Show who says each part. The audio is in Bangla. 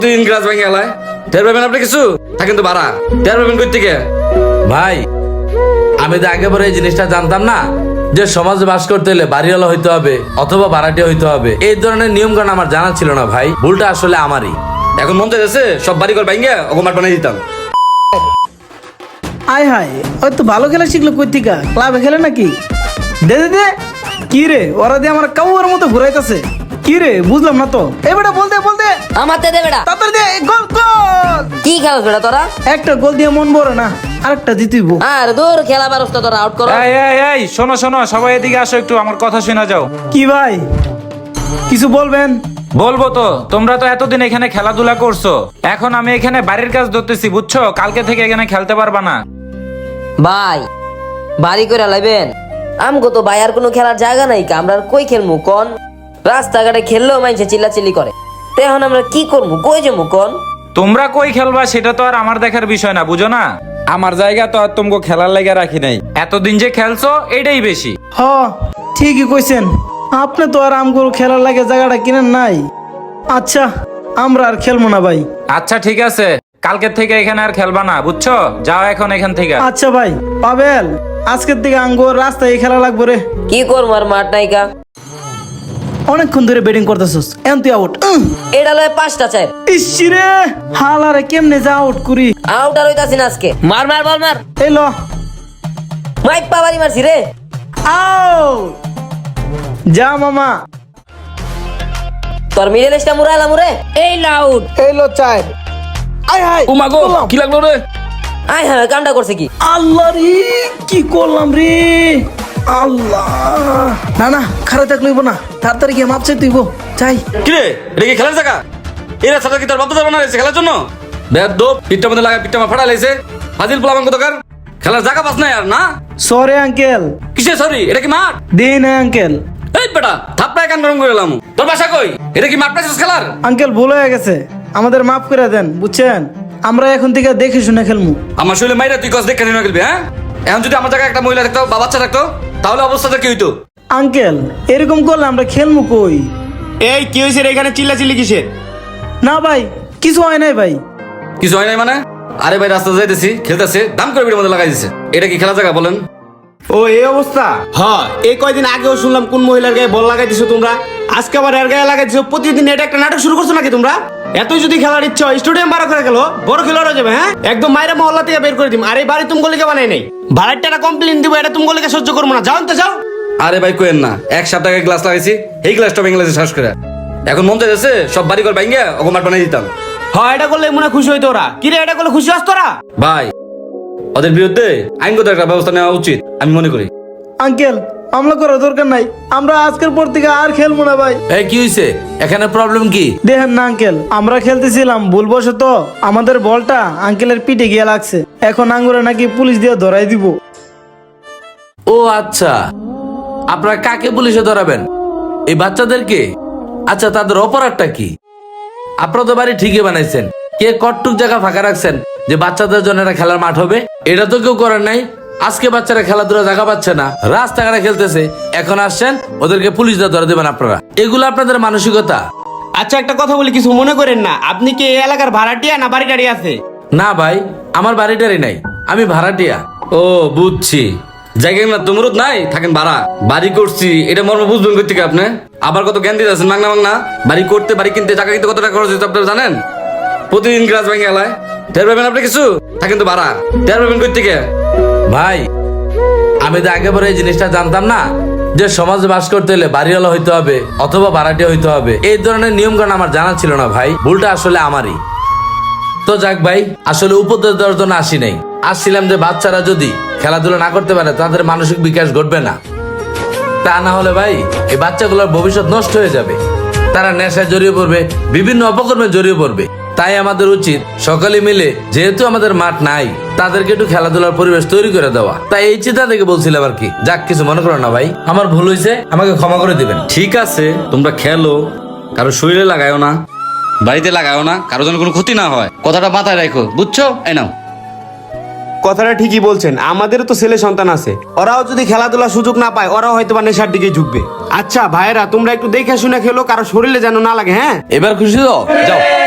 Speaker 1: তিন গ্লাস ভেঙে গেলায় টের পাবেন আপনি কিছু থাকেন তো ভাড়া টের পাবেন কই থেকে
Speaker 2: ভাই আমি তো আগে পরে এই জিনিসটা জানতাম না যে সমাজে বাস করতে হলে বাড়িওয়ালা হইতে হবে অথবা ভাড়াটিয়া হইতে হবে। এই ধরনের নিয়ম কানুন আমার জানা ছিল না ভাই, ভুলটা আসলে আমারই।
Speaker 1: এখন মন চাইছে সব বাড়ি ঘর ভেঙে ওকে মাঠ বানিয়ে দিতাম।
Speaker 3: আয় হায় ওই তো ভালো খেলা শিখলো কই থেকে, ক্লাবে খেলে নাকি? দে দে দে। কি রে ওরা দিয়ে আমার কাউয়ার মতো ঘুরাইতেছে কি রে, বুঝলাম না তো। এই বেটা বলতে বলতে
Speaker 4: আমার দে বেটা,
Speaker 3: তাড়াতাড়ি দে। গোল গোল।
Speaker 4: কি খেলছ বেটা তোরা?
Speaker 3: একটা গোল দিয়ে মন ভরে না, আরেকটা জিতিব।
Speaker 4: আর দূর খেলা পারছ তো তোরা, আউট করো।
Speaker 5: এই শোনো শোনো, সবাই এদিকে আসো, একটু আমার কথা শোনা যাও।
Speaker 3: কি ভাই কিছু বলবেন?
Speaker 5: বলবো তো, তোমরা তো এতদিন এখানে খেলাধুলা করছো, এখন আমি এখানে বাড়ির কাজ ধরতেছি বুঝছো, কালকে থেকে এখানে খেলতে পারবা না।
Speaker 4: ভাই বাড়ি করে লাইবেন, আমগো তো ভাই আর কোনো খেলার জায়গা নাই, আমরা আর কই খেলমু কোন? রাস্তাঘাটে খেললেও মানুষে চিল্লাচিল্লি করে, তো এখন আমরা কি করবো, কই যাবো কোন?
Speaker 5: তোমরা কই খেলবা সেটা তো আর আমার দেখার বিষয় না, বুঝো না? আমার জায়গা তো আর তোমাকে খেলার লাগা রাখি নাই, এতদিন যে খেলছো এটাই বেশি।
Speaker 3: হ ঠিকই কইছেন, আপনি তো আর আমগুলো খেলার লাগে জায়গাটা কিনেন নাই। আচ্ছা আমরা আর খেলবো না ভাই।
Speaker 5: আচ্ছা ঠিক আছে, কালকে থেকে এখানে আর খেলবা না বুঝছো, যাও এখন এখান থেকে।
Speaker 3: আচ্ছা ভাই পাবেল, আজকের থেকে আঙ্গুর রাস্তায় খেলা লাগবো রে।
Speaker 4: কি করবো আর মাঠ নাইকা,
Speaker 3: অনেকক্ষণ ধরে ব্যাটিং করতেছস, এন তুই আউট।
Speaker 4: এটা লয় 5টা চার।
Speaker 3: ইসি রে হালারে কেমনে যা আউট করি।
Speaker 4: আউট আর হইতাছি না আজকে, মার মার বল মার।
Speaker 3: এই ল
Speaker 4: মাইক পাবারি মারছি রে।
Speaker 3: আউট। যা মামা।
Speaker 4: তোর মিডল স্টা মুরাইলাম রে। এই লাউড,
Speaker 3: এই লো চার। আয় হায়
Speaker 1: ও মাগো কি লাগলো রে?
Speaker 4: আয় হ্যাঁ কামটা করছে কি?
Speaker 3: আল্লাহ রে কি করলাম রে আল্লাহ। না না খারাপ থাকলে হইব না, তাড়াতাড়ি গিয়ে মাপ চাইতে হইব। চাই
Speaker 1: কি রে এটা কি খেলার জায়গা? এরা সাথে কি তোর বাপ দাদা বানাইছে খেলার জন্য? বেদ দো পিঠটা মধ্যে লাগা পিঠটা ফাড়া লাইছে ফাজিল পোলাবাঙ্গ দোকান, খেলার জায়গা পাস না আর না?
Speaker 3: Sorry uncle.
Speaker 1: কিসে সরি, এটা কি মাঠ?
Speaker 3: দেই না আঙ্কেল।
Speaker 1: এই বেটা থাপড়ায় কান গরম করে এলাম। তোর বাসা কই? এটা কি মাঠ পাইছিস খেলার?
Speaker 3: আঙ্কেল ভুল হয়ে গেছে, আমাদের মাফ করে দেন বুঝছেন, আমরা এখন থেকে দেখে শুনে খেলমু।
Speaker 1: আমার শরীরে মাইরা তুই কস দেখে নিয়ে খেলবি? হ্যাঁ এখন যদি আমার জায়গায় একটা মহিলা থাকতো বা বাচ্চা থাকতো তাহলে অবস্থাটা কি হইতো?
Speaker 3: আঙ্কেল এরকম করলে আমরা খেলমু কই?
Speaker 6: এই কি হয়েছে রে, এখানে চিল্লাচিল্লি কিসের?
Speaker 3: না ভাই কিছু হয় নাই ভাই।
Speaker 1: কিছু হয় নাই মানে? আরে ভাই রাস্তা যাইতেছি খেলতেছে দাম করে বিড়ির মধ্যে লাগাই দিছে, এটা কি খেলা জায়গা বলেন?
Speaker 6: ও এই অবস্থা। হ্যাঁ এই কয়দিন আগেও শুনলাম কোন মহিলার গায়ে বল লাগাই দিছো তোমরা, আজকে আবার এর গায়ে লাগাই দিছো। প্রতিদিন এটা একটা নাটক শুরু করছো নাকি তোমরা? এতই যদি খেলার ইচ্ছা হয় স্টেডিয়াম ভাড়া করে গেল, বড় খেলোয়াড় হয়ে যাবে। হ্যাঁ একদম মাইরা মহল্লা থেকে বের করে দিম। আর এই বাড়ি তুমি গলিকে বানাই নাই, ভাড়ার টাকা কমপ্লেন দিব, এটা তুমি গলিকে সহ্য করবো না। যাও তো যাও।
Speaker 1: আরে ভাই কোয়েন না, 1 সপ্তাহে গ্লাস লাগাইছি, এই গ্লাসটা ভেঙে গেছে শ্বাস করে। এখন মন চাইছে সব বাড়ি ঘর ভেঙে ওকে মাঠ বানিয়ে দিতাম।
Speaker 6: হ্যাঁ এটা করলে মনে হয় খুশি হইতো ওরা। কি রে এটা করলে খুশি হস তোরা?
Speaker 1: ভাই ওদের বিরুদ্ধে আইনগত একটা ব্যবস্থা নেওয়া উচিত আমি মনে করি।
Speaker 3: আঙ্কেল মামলা করার দরকার নাই, আমরা আজকের পর থেকে আর খেলবো না ভাই।
Speaker 2: এই কি হইছে, এখানে প্রবলেম কি?
Speaker 3: দেখেন না আঙ্কেল, আমরা খেলতেছিলাম ভুলবশত আমাদের বলটা আঙ্কেলের পিঠে গিয়ে লাগছে, এখন আঙ্গুরে নাকি পুলিশ দিয়ে ধরাই দিব।
Speaker 2: ও আচ্ছা, আপনারা কাকে পুলিশে ধরাবেন? এই বাচ্চাদেরকে? আচ্ছা তাদের অপরাধটা কি? আপনারা তো বাড়ি ঠিকই বানাইছেন, কে কটটুক জায়গা ফাঁকা রাখছেন যে বাচ্চাদের জন্য একটা খেলার মাঠ হবে? এটা তো কেউ করেন নাই। আজকে বাচ্চারা খেলাধুলা জায়গা পাচ্ছে না, রাস্তাঘাটে খেলতেছে, এখন আসছেন ওদেরকে পুলিশ দিয়ে ধরে দেবেন আপনারা? এগুলো আপনাদের মানসিকতা?
Speaker 6: আচ্ছা একটা কথা বলি, কিছু মনে করেন না। আপনি কি এই এলাকার ভাড়াটিয়া না বাড়ি টাড়ি আছে?
Speaker 2: না ভাই আমার বাড়িটারই নাই, আমি ভাড়াটিয়া।
Speaker 1: ও বুঝছি, জায়গা না তুমরুদ নাই থাকেন ভাড়া, বাড়ি করছি এটা মর্ম বুঝবেন কই থেকে আপনি? আবার কত জ্ঞান দিতেছেন মাগনা মাগনা। বাড়ি করতে বাড়ি কিনতে জায়গা কিনতে কত টাকা খরচ হচ্ছে আপনারা জানেন? প্রতিদিন গ্লাস ভেঙে গেলায় টের পাবেন আপনি কিছু থাকেন তো ভাড়া টের পাবেন কই থেকে?
Speaker 2: ভাই আমি তো আগে পরে এই জিনিসটা জানতাম না যে সমাজে বাস করতে হলে বাড়িওয়ালা হইতে হবে অথবা ভাড়াটিয়া হইতে হবে। এই ধরনের নিয়ম কানুন আমার জানা ছিল না ভাই, ভুলটা আসলে আমারই। তো যাক ভাই, আসলে উপদেশ দেওয়ার জন্য আসি নাই, আসছিলাম যে বাচ্চারা যদি খেলাধুলা না করতে পারে তাদের মানসিক বিকাশ ঘটবে না। তা না হলে ভাই এই বাচ্চাগুলোর ভবিষ্যৎ নষ্ট হয়ে যাবে, তারা নেশায় জড়িয়ে পড়বে, বিভিন্ন অপকর্মে জড়িয়ে পড়বে। তাই আমাদের উচিত সকালে মিলে, যেহেতু আমাদের মাঠ নাই, তাদেরকে একটু খেলাধুলার পরিবেশ তৈরি করে দেওয়া। তাই এই চিন্তা থেকে বলছিলাম আর কি। যাক কিছু মনে করো না ভাই, আমার ভুল হয়েছে, আমাকে ক্ষমা করে দিবেন।
Speaker 1: ঠিক আছে তোমরা খেলো, কারো শরীরে লাগায়ও না, বাড়িতে লাগায়ও না, কারো যেন কোনো ক্ষতি না হয়, কথাটা মাথায় রাখো বুঝছো? এই নাও।
Speaker 6: কথাটা ঠিকই বলছেন, আমাদেরও তো ছেলে সন্তান আছে, ওরাও যদি খেলাধুলার সুযোগ না পায় ওরাও হয়তো বা নেশার দিকে ঝুঁকবে। আচ্ছা ভাইরা তোমরা একটু দেখে শুনে খেলো, কারো শরীরে যেন না লাগে। হ্যাঁ
Speaker 2: এবার খুশি তো? যাও।